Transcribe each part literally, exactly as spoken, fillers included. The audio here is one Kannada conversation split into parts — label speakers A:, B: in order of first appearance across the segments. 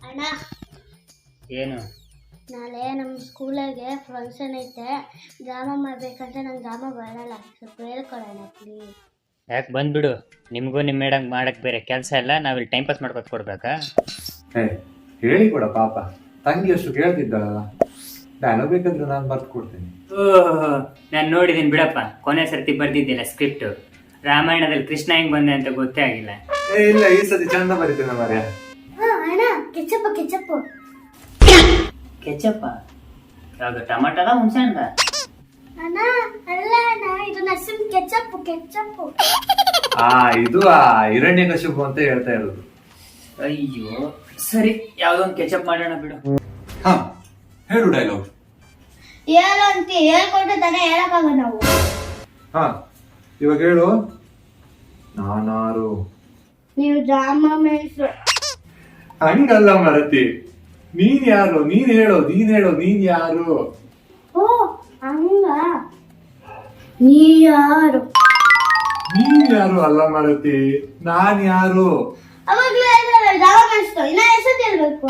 A: ಅಣ್ಣ
B: ಏನು?
A: ನಾಳೆ ನಮ್ಮ ಸ್ಕೂಲಾಗೆ ಫಂಕ್ಷನ್ ಐತೆ, ಡ್ರಾಮಾ ಮಾಡ್ಬೇಕಂತ ನಂಗೆ ಡ್ರಾಮಾ ಬರಲ್ಲ, ಸ್ವಲ್ಪ ಹೇಳ್ಕೊಡೋಣ ಪ್ಲೀಸ್.
B: ಯಾಕೆ ಬಂದ್ಬಿಡು, ನಿಮಗೂ ನಿಮ್ಮ ಮೇಡಮ್ ಮಾಡಕ್ಕೆ ಬೇರೆ ಕೆಲಸ ಇಲ್ಲ, ನಾವಿಲ್ಲಿ ಟೈಮ್ ಪಾಸ್ ಮಾಡ್ಕೊತ ಕೊಡ್ಬೇಕಾ?
C: ಹೇ ಹೇಳಿ ಕೊಡ ಪಾಪ, ತಂಗಿ ಅಷ್ಟು ಕೇಳ್ತಿದ್ದಾಳಲ್ಲ, ಡೈಲಾಗ್ ಬೇಕಂದ್ರೆ ನಾನು ಬರ್ದು ಕೊಡ್ತೀನಿ.
B: ಓಹ್, ನಾನು ನೋಡಿದ್ದೀನಿ ಬಿಡಪ್ಪ, ಕೊನೆ ಸರ್ತಿ ಬರ್ದಿದ್ದಿಲ್ಲ ಸ್ಕ್ರಿಪ್ಟು. ರಾಮಾಯಣದಲ್ಲಿ ಕೃಷ್ಣ ಹೆಂಗ್ ಬಂದೆ ಅಂತ ಗೊತ್ತೇ ಆಗಿಲ್ಲ.
C: ಏ ಇಲ್ಲ, ಈ ಸತಿ ಚಂದ ಬರೀತೇನೆ ಮಾರ್ಯ.
A: ಅಣ್ಣ ಕೆಚಪ್ ಕೆಚಪ್
B: ಕೆಚಪ್ಪ ಯಾವುದು, ಟಮಾಟದ ಹುಣಸೆ ಹಣ್ಣದ?
A: ಅಣ್ಣ ಅಲ್ಲ ಅಣ್ಣ, ಇದು ನರಸಿಂಹ ಕೆಚಪ್ ಕೆಚಪ್.
C: ಆ ಇದು ಆ ಹಿರಣ್ಯಕಶಿಪು ಅಂತ ಹೇಳ್ತಾ ಇರೋದು.
B: ಅಯ್ಯೋ ಸರಿ, ಯಾವ್ದೋ ಒಂದು ಕೆಚಪ್ ಮಾಡೋಣ ಬಿಡು.
C: ಹಾ ಹೇಳು ಡೈಲಾಗ್.
A: ಹೇಳು ಅಂತ ಹೇಳ್ಕೊಟ್ಟು ತಾನೇ ಹೇಳಕ್ಕಾಗ ನಾವು.
C: ಹಾ ಇವಾಗ ಹೇಳು. ನಾನಾರು
A: ನೀವು ಡ್ರಾಮಾ ಮೇಷ್ಟ್ರು.
C: ಹಂಗಲ್ಲ ಮರತಿ, ನೀನ್ ಯಾರು? ನೀನ್ ಹೇಳು, ನೀನ್ ಹೇಳು, ನೀನ್ ಯಾರು?
A: ಓ ಹಂಗ, ನೀ ಯಾರು?
C: ನೀನ್ ಯಾರು ಅಲ್ಲ ಮರತಿ, ನಾನ್ ಯಾರು?
A: ಅವಾಗ್ಲೂ ಡ್ರಾಮಾ ಮೇಷ್ಟ್ರು, ಇನ್ನ ಹೆಸರು ಹೇಳ್ಬೇಕು.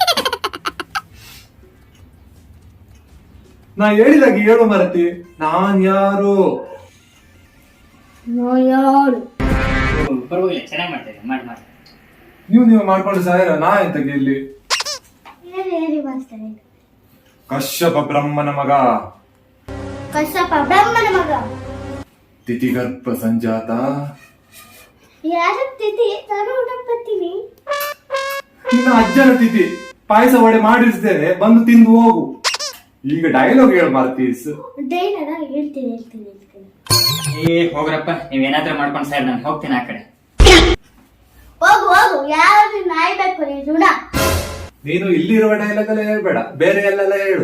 C: ನಾ ಹೇಳಿದಾಗ ಹೇಳು ಮರತಿ, ನಾನ್ ಯಾರು?
A: ನಾ ಯಾರು?
B: ಪರವಾಗಿಲ್ಲ, ಚೆನ್ನಾಗಿ ಮಾಡ್ತಾ ಇದ್ದೆ, ಮಾಡಿ ಮಾಡಿ.
C: ನೀವು ನೀವು ಮಾಡ್ಕೊಂಡು ಸಾಯಲ್ಲ, ನಾ ಎಂತ ಗೆಲ್ಲಿ?
A: ಹೇಳಿ ಹೇಳಿ ಮಾಸ್ತರ್.
C: ಕಶ್ಯಪ ಬ್ರಹ್ಮನ ಮಗ,
A: ಕಶ್ಯಪ ಬ್ರಹ್ಮನ ಮಗ,
C: ತಿಥಿಗರ್ಭ ಸಂಜಾತ.
A: ಯಾರ ತಿಥಿ? ನಾನು ಊಟ ಬರ್ತೀನಿ.
C: ನಿನ್ನ ಅಜ್ಜನ ತಿಥಿ, ಪಾಯಸ ವಡೆ ಮಾಡಿರ್ತೇನೆ, ಬಂದು ತಿಂದು ಹೋಗು. ಈಗ ಡೈಲಾಗ್ ಹೇಳು ಮಾರ್ತೀಸ್.
A: ಡೈಲಾಗ ಹೇಳ್ತೀನಿ ಹೇಳ್ತೀನಿ ಹೇಳ್ತೀನಿ.
B: ಏ ಹೋಗ್ರಪ್ಪ, ನೀವೇನಾದ್ರೂ ಮಾಡ್ಕೊಂಡು ಸರ್, ನಾನು ಹೋಗ್ತೀನಿ ಆ ಕಡೆ.
A: ಹೋಗು ಹೋಗು, ಯಾರು ನಾಯ್ಬೇಕು ನೀ ಋಣ.
C: ನೀನು ಇಲ್ಲಿರುವ ಡೈಲಾಗ್ ಎಲ್ಲ ಹೇಳ್ಬೇಡ, ಬೇರೆ ಎಲ್ಲೆಲ್ಲ ಹೇಳು.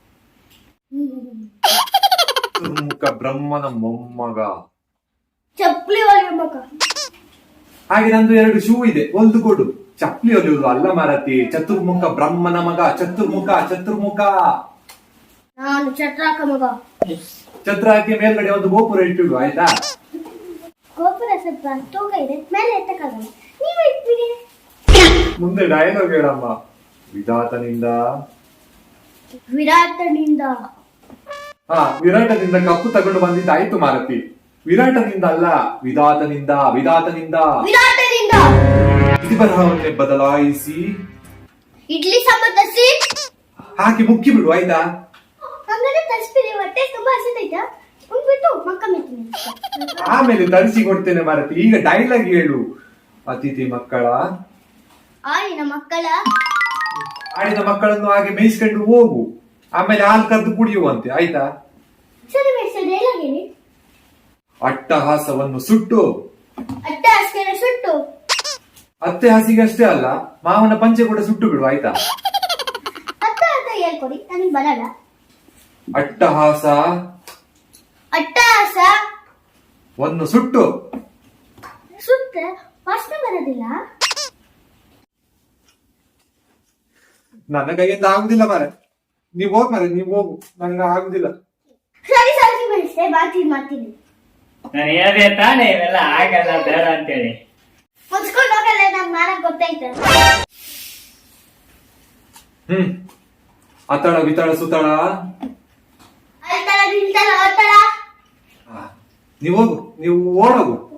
C: ಚತುರ್ಮುಖ ಬ್ರಹ್ಮನ ಮೊಮ್ಮಗ,
A: ಚಪ್ಪಲಿ ಹೊಲಿಯಬೇಕು.
C: ಹಾಗೆ ನಂದು ಎರಡು ಶೂ ಇದೆ, ಒಂದು ಕೊಡು. ಚಪ್ಪಲಿ ಹೊಲಿಯುವುದು ಅಲ್ಲ ಮಾರತಿ, ಚತುರ್ಮುಖ ಬ್ರಹ್ಮನ ಮಗ, ಚತುರ್ಮುಖ ಚತುರ್ಮುಖ.
A: ನಾನು ಚಟ್ರಾಕ ಮಗ.
C: ಛತ್ರ ಹಾಕಿ ಮೇಲ್ಗಡೆ ಒಂದು ಗೋಪುರ ಇಟ್ಟಿಡು, ಆಯ್ತಾ?
A: ಗೋಪುರ ಸ್ವಲ್ಪ ತೂಕ ಇದೆ, ಮೇಲೆ ಎತ್ತಕ್ಕಾಗಲ್ಲ, ನೀವು ಇಟ್ಬಿಡಿ.
C: ಮುಂದೆ ಡೈಲಾಗ್ ಹೇಳಮ್ಮ. ವಿಧಾತನಿಂದ,
A: ವಿರಾಟನಿಂದ.
C: ಹಾ ವಿರಾಟದಿಂದ ಕಪ್ಪು ತಗೊಂಡು ಬಂದಿದ್ದು ಆಯ್ತು ಮಾರತಿ. ವಿರಾಟನಿಂದ ಅಲ್ಲ, ವಿಧಾತನಿಂದ, ವಿಧಾತನಿಂದ.
A: ವಿರಾಟನಿಂದ
C: ಇತಿ ಬರಹವನ್ನೇ ಬದಲಾಯಿಸಿ
A: ಇಡ್ಲಿ ಸಾಂಬಾರ್ ತರಿಸಿ
C: ಹಾಕಿ ಮುಕ್ಕಿ ಬಿಡು, ಆಯ್ತಾ?
A: ಹಂಗಾದ್ರೆ ತರಿಸ್ಬಿಡಿ, ಹೊಟ್ಟೆ ತುಂಬಾ ಹಸಿದೈತಾ, ಉಂಡ್ಬಿಟ್ಟು ಮಕ್ಕ ಮೆತ್ತೀನಿ.
C: ಆಮೇಲೆ ತರಿಸಿ ಕೊಡ್ತೇನೆ ಮಾರತಿ. ಈಗ ಡೈಲಾಗ್ ಹೇಳು. ಅತಿಥಿ ಮಕ್ಕಳ,
A: ಆಡಿನ ಮಕ್ಕಳ,
C: ಆಡಿದ ಮಕ್ಕಳನ್ನು ಹಾಗೆ ಮೇಯಿಸ್ಕೊಂಡು ಹೋಗು, ಆಮೇಲೆ ಹಾಲು ಕರೆದು ಕುಡಿಯುವಂತೆ, ಆಯ್ತಾ?
A: ಸರಿ ಬೇಸ ಡೈಲಾಗ್ ಹೇಳಿ.
C: ಅಟ್ಟಹಾಸವನ್ನು ಸುಟ್ಟು
A: ಅಟ್ಟ ಅಷ್ಟೇನ ಸುಟ್ಟು,
C: ಅತ್ತೆ ಹಸಿಗೆ ಅಷ್ಟೇ ಅಲ್ಲ, ಮಾವನ ಪಂಚೆ ಕೂಡ ಸುಟ್ಟು ಬಿಡು, ಆಯ್ತಾ?
A: ಅತ್ತ ಅಂತ ಹೇಳ್ಕೊಡಿ, ನನಗೆ ಬರಲ್ಲ.
C: ಅಟ್ಟಹಾಸ
A: ಅಟ್ಟಹಾಸ
C: ವನ್ನು ಸುಟ್ಟು
A: ಸುತ್ತ ವಾಸನೆ ಬರೋದಿಲ್ಲ.
C: ನನ್ನ ಕೈಯಿಂದ ಆಗುದಿಲ್ಲ ಮಾರೆ, ನೀವ್ ಹೋಗ್ ಮಾರೆ, ನೀವ್ ಹೋಗು, ನಂಗ ಆಗುದಿಲ್ಲ.
A: ಸರಿ ಸರಿ ಬೆಳೆಸ್ತೇ, ಮಾಡ್ತೀನಿ ಮಾಡ್ತೀನಿ.
B: ನಾನು ಹೇಳಿದೆ ತಾನೇ ಇವೆಲ್ಲ ಆಗಲ್ಲ ಬೇಡ ಅಂತೇಳಿ.
A: ಮುಚ್ಕೊಂಡು ಹೋಗಲ್ಲ, ನಂಗೆ ಮಾಡಕ್ ಗೊತ್ತೈತೆ.
C: ಹ್ಮ್ ಅತಳ ವಿತಳ ಸುತಳ,
A: ಅಳ್ತಾಳ ನಿಲ್ತಾಳ ಓಡ್ತಾಳ.
C: ನೀವ್ ಹೋಗು, ನೀವು ಓಡೋಗು.